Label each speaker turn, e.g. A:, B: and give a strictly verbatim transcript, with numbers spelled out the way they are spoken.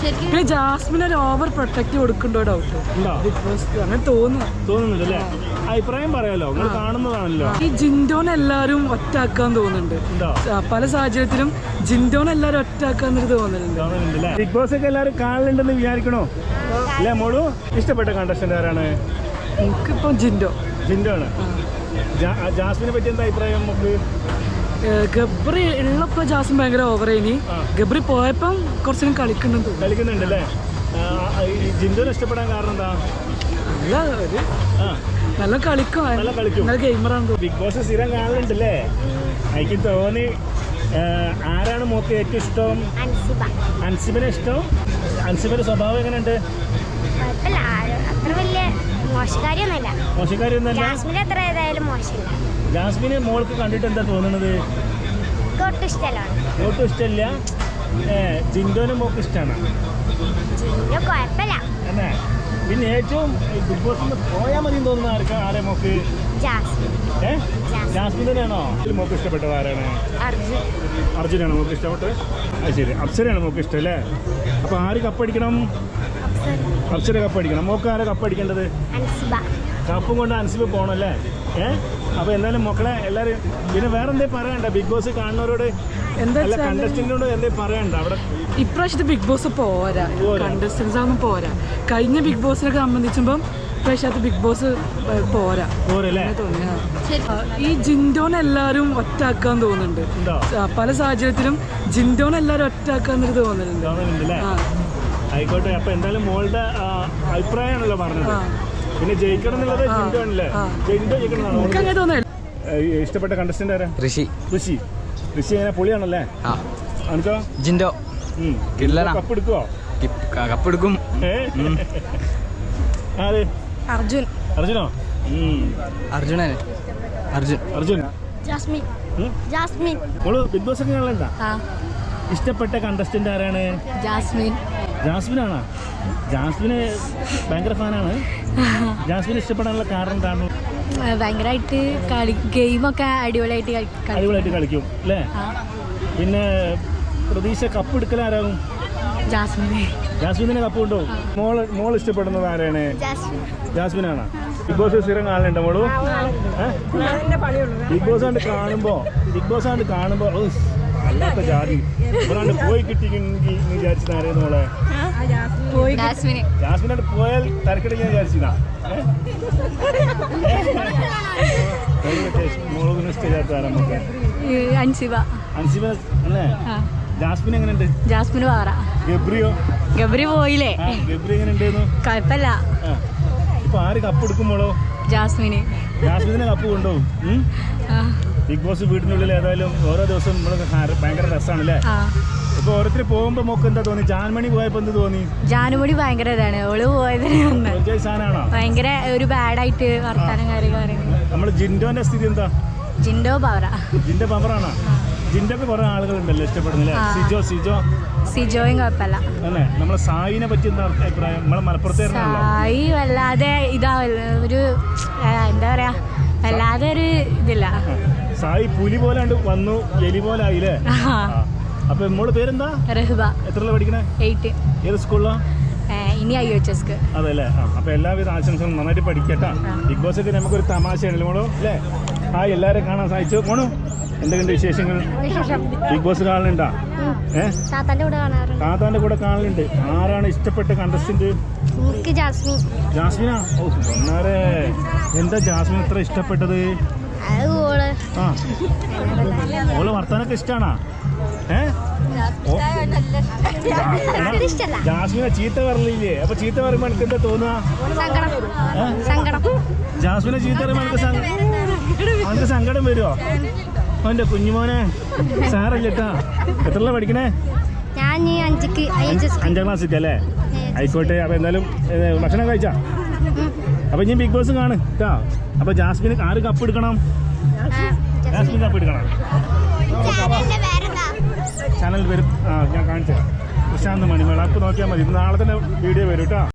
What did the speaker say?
A: പിന്നെ ജാസ്മിൻ ഒരു over protect കൊടുക്കണ്ടോ doubt അങ്ങനെ
B: തോന്നുന്നുണ്ടല്ലേ? അഭിപ്രായം പറയാലോ, നിങ്ങൾ കാണുന്നതാണല്ലോ.
A: ഈ ജിൻഡോനെ എല്ലാരും ഒറ്റാക്കാൻ തോന്നുന്നുണ്ട്. പല സാഹചര്യത്തിലും ജിൻഡോനെ എല്ലാരും ഒറ്റാക്കാന്നൊരു തോന്നുന്നുണ്ട്.
B: ബിഗ് ബോസ് ഒക്കെ എല്ലാരും കാണലുണ്ടെന്ന് വിചാരിക്കണോ? അല്ലേ മോളു? ഇഷ്ടപ്പെട്ട കണ്ടസ്റ്റന്റ് ആരാണ്?
A: എനിക്കിപ്പോ ജിൻഡോ
B: ജിൻഡോ ആണ്. ജാസ്മിനെ പറ്റി എന്താ അഭിപ്രായം നമുക്ക്?
A: ഗബ്രി ഉള്ളപ്പോ ജാസ്മിൻ ഭയങ്കര ഓവറേനി. ഗബ്രി പോയപ്പം കുറച്ചും കളിക്കുന്നുണ്ട്
B: കളിക്കുന്നുണ്ടല്ലേ? ജിൻഡോനെ ഇഷ്ടപ്പെടാൻ കാരണം എന്താ?
A: നല്ല ഒരു നല്ല കളിക്കും,
B: നല്ല കളിക്കും,
A: നല്ല ഗെയിമറാണ്.
B: ബിഗ് ബോസ് സ്ഥിരം കാണലുണ്ടല്ലേ? എനിക്ക് തോന്നി ആരാണ് മോക്ക് ഏറ്റവും ഇഷ്ടം? അൻസിബിനെ ഇഷ്ടം. അൻസിബിന്റെ സ്വഭാവം എങ്ങനെയുണ്ട്? മോശക്കാരിയൊന്നുമല്ല. ജാസ്മിനെ മോൾക്ക് കണ്ടിട്ട് എന്താ തോന്നുന്നത്? ഒട്ടും ഇഷ്ടമല്ല. ജിൻഡോനെ മോക്ക് ഇഷ്ടമാണ്. അല്ലേ? പിന്നെ ഏറ്റവും ബിഗ് ബോസിൽ പോയാൽ മതി തോന്നുന്ന ആർക്കാ? ആരെ മോക്ക്? ഏ ജാസ്മിൻ തന്നെയാണോ മോക്ക് ഇഷ്ടപ്പെട്ടത്? ആരാണ്? അർജുനാണ് മോക്ക് ഇഷ്ടപ്പെട്ടത്? അത് ശരി. അപ്സരയാണ് മോക്ക് ഇഷ്ടം അല്ലേ? അപ്പൊ ആര് കപ്പടിക്കണം? അപ്സര കപ്പടിക്കണം. മോക്ക് ആരെ കപ്പടിക്കേണ്ടത്? കപ്പും കൊണ്ട് അൻസിബ് പോകണല്ലേ? ഏഹ് അപ്പൊ എന്തായാലും മക്കളെ എല്ലാരും പിന്നെ വേറെ എന്തേ പറയണ്ട? ബിഗ് ബോസ് കാണുന്നവരോട് എന്താ കണ്ടസ്റ്റന്റിനോട് എന്തേ പറയണ്ട? അവിടെ
A: ഇപ്രാവശ്യത്തെ ബിഗ് ബോസ് പോരാ, കണ്ടസ്റ്റൻസ് ഒന്നും പോരാ. കഴിഞ്ഞ ബിഗ് ബോസിനൊക്കെ സംബന്ധിച്ചുമ്പം ഇപ്രാവശ്യത്തെ ബിഗ് ബോസ് പോരാ
B: പോരല്ലേ?
A: ഈ ജിൻഡോനെ എല്ലാരും ഒറ്റാക്കാൻ തോന്നുന്നുണ്ട്. പല സാഹചര്യത്തിലും ജിൻഡോനെ എല്ലാരും ഒറ്റാക്കാന്നൊരു തോന്നുന്നുണ്ട്.
B: ആയിക്കോട്ടെ. അപ്പൊ എന്തായാലും മോളുടെ അഭിപ്രായമാണല്ലോ പറഞ്ഞത്. പിന്നെ ജയിക്കണം എന്നുള്ളത് ജിൻഡോ ആണല്ലേ? ജിൻഡോ ജയിക്കണം. ഇഷ്ടപ്പെട്ട കണ്ടസ്റ്റന്റ് ആരാ? ഋഷി. ഋഷി ഋഷി എങ്ങനെ പൊളിയാണല്ലേ? അനക്കോ?
C: ജിൻഡോ.
B: കപ്പ് എടുക്കുവോ?
C: കപ്പ് എടുക്കും.
B: ആര്?
A: അർജുൻ.
B: അർജുനോ?
C: അർജുനൻ. അർജുൻ.
B: അർജുൻ.
A: ജാസ്മിൻ.
B: ജാസ്മിൻ. മോള് ബിഗ് ബോസ് ഒക്കെ കാണലുണ്ടാ? ഇഷ്ടപ്പെട്ട കണ്ടസ്റ്റന്റ് ആരാണ്?
A: ജാസ്മിൻ.
B: ജാസ്മിനാണോ? ജാസ്മിന് ഭയങ്കര ഫാനാണ്. ജാസ്മിന് ഇഷ്ടപ്പെടാനുള്ള കാരണം എന്താണ്?
A: ഭയങ്കരമായിട്ട് കളി ഗെയിമൊക്കെ അടിപൊളിയായിട്ട്
B: അടിപൊളിയായിട്ട് കളിക്കും അല്ലേ? പിന്നെ പ്രതീക്ഷ കപ്പ് എടുക്കലാരാകും?
A: ജാസ്മിനെ.
B: ജാസ്മിനെ കപ്പ് കൊണ്ടോ? മോള് മോൾ ഇഷ്ടപ്പെടുന്നത് ആരാണ്? ജാസ്മിനാണ്. ബിഗ് ബോസ് സ്ഥിരം കാണലുണ്ടോ മോളു? ബിഗ് ബോസ് കണ്ട് കാണുമ്പോ ബിഗ് ബോസ് കണ്ട് കാണുമ്പോ അല്ലാത്ത ജാതി ഒരാണ്ട് പോയി കിട്ടിയെങ്കിൽ വിചാരിച്ചത് ആരെയെന്ന് മോളെ? ജാസ്മിനായിട്ട് പോയാൽ തരക്കിടയിൽ ഞാൻ വിചാരിച്ചതാ. മോളൊന്നും ഇഷ്ടമില്ലാത്ത ആരാ നമുക്ക്?
A: അൻസിബ.
B: അൻസിബ അല്ലേ? ജാസ്മിൻ എങ്ങനെയുണ്ട്?
A: ജാസ്മിന് വേറെ.
B: ഗബ്രിയോ?
A: ഗബ്രി പോയില്ലേ?
B: ഗബ്രി എങ്ങനെയുണ്ടായിരുന്നു?
A: കുഴപ്പമില്ല.
B: ഇപ്പൊ ആര് കപ്പ് എടുക്കുമ്പോളോ?
A: ജാസ്മിന്.
B: ജാസ്മിനെ കപ്പ് കൊണ്ടുപോകും. ബിഗ് ബോസ് വീടിനുള്ളിൽ ഏതായാലും ഓരോ ദിവസം നമ്മൾ ഭയങ്കര രസമാണല്ലേ? ഇപ്പൊ ഓരോരുത്തർ പോകുമ്പോ മോക്ക് എന്താ തോന്നി? ജാൻമണി പോയപ്പോ എന്ത് തോന്നി?
A: ജാനുമണി ഭയങ്കര ഇതാണ്. ഓള് പോയത്
B: സാധനമാണോ?
A: ഭയങ്കര ഒരു ബാഡായിട്ട് വർത്താനം കാര്യങ്ങൾ പറയുന്നത്.
B: നമ്മള് ജിൻഡോന്റെ സ്ഥിതി എന്താ?
A: ജിൻഡോ പവറ.
B: ജിൻഡോ പവറാണോ? ജിൻഡോക്ക് കുറെ ആളുകളുണ്ടല്ലോ ഇഷ്ടപ്പെടുന്നില്ലേ? സിജോ സിജോ
A: സിജോയും കുഴപ്പമില്ല.
B: അല്ലേ? നമ്മളെ സായിനെ പറ്റി എന്താ അഭിപ്രായം? നമ്മളെ മലപ്പുറത്തേരുന്നല്ലോ.
A: സായി വല്ലാതെ ഇതാ ഒരു എന്താ പറയാ, വല്ലാതെ ഒരു ഇതില്ല.
B: സായി പുലി പോലെ വന്നു, എലി പോലെ ആയില്ലേ? അപ്പൊ മോള് പേരെന്താ? റഹ്ബ. എത്രയുള്ള പഠിക്കണേ? എയ്റ്റ്. ഏത് സ്കൂളിലാ?
A: ഇനി ഐ എച്ച് എസ്.
B: അതല്ലേ? അപ്പൊ എല്ലാവിധ ആശംസകളും. നന്നായിട്ട് പഠിക്കട്ടാ. ബിഗ് ബോസ് ഒക്കെ നമുക്കൊരു തമാശയാണല്ലോ മോളോ അല്ലേ? ആ എല്ലാവരും കാണാൻ സാധിച്ചു. മോണു എന്തൊക്കെയുണ്ട് വിശേഷങ്ങൾ? Big boss കാണലുണ്ടാ? ഏഹ് താത്താന്റെ കൂടെ കാണലുണ്ട്. ആരാണ് ഇഷ്ടപ്പെട്ട കണ്ടസ്റ്റന്റ്? ജാസ്മിനാ? ഓ ഒന്നാരെ എന്താ ജാസ്മിൻ ഇത്ര ഇഷ്ടപ്പെട്ടത്? ആ ഓള് വർത്താനൊക്കെ ഇഷ്ടാണോ? ഏഹ് ജാസ്മിനെ ചീത്ത പറഞ്ഞില്ലേ? അപ്പൊ ചീത്ത പറയുമ്പോ എനിക്ക് എന്താ തോന്നുക? ജാസ്മിനെ ചീത്ത പറയുമ്പോ എനിക്ക് എനിക്ക് സങ്കടം വരുമോ? അവന്റെ കുഞ്ഞുമോനെ സാറല്ലേട്ടാ. എത്രയുള്ള പഠിക്കണേ? അഞ്ചാം ക്ലാസ്സിൽ അല്ലേ? ആയിക്കോട്ടെ. അപ്പൊ എന്തായാലും ഭക്ഷണം കഴിച്ചാ? അപ്പൊ ഇനി ബിഗ് ബോസ് കാണ് കേട്ടോ. അപ്പൊ ജാസ്മിന് ആര് കപ്പ് എടുക്കണം? ജാസ്മിൻ കപ്പ് എടുക്കണം. ചാനൽ വരും. ആ ഞാൻ കാണിച്ചു പ്രശാന്ത് മണിമേള. അപ്പൊ നോക്കിയാൽ മതി. നാളെ തന്നെ വീഡിയോ വരും കേട്ടോ.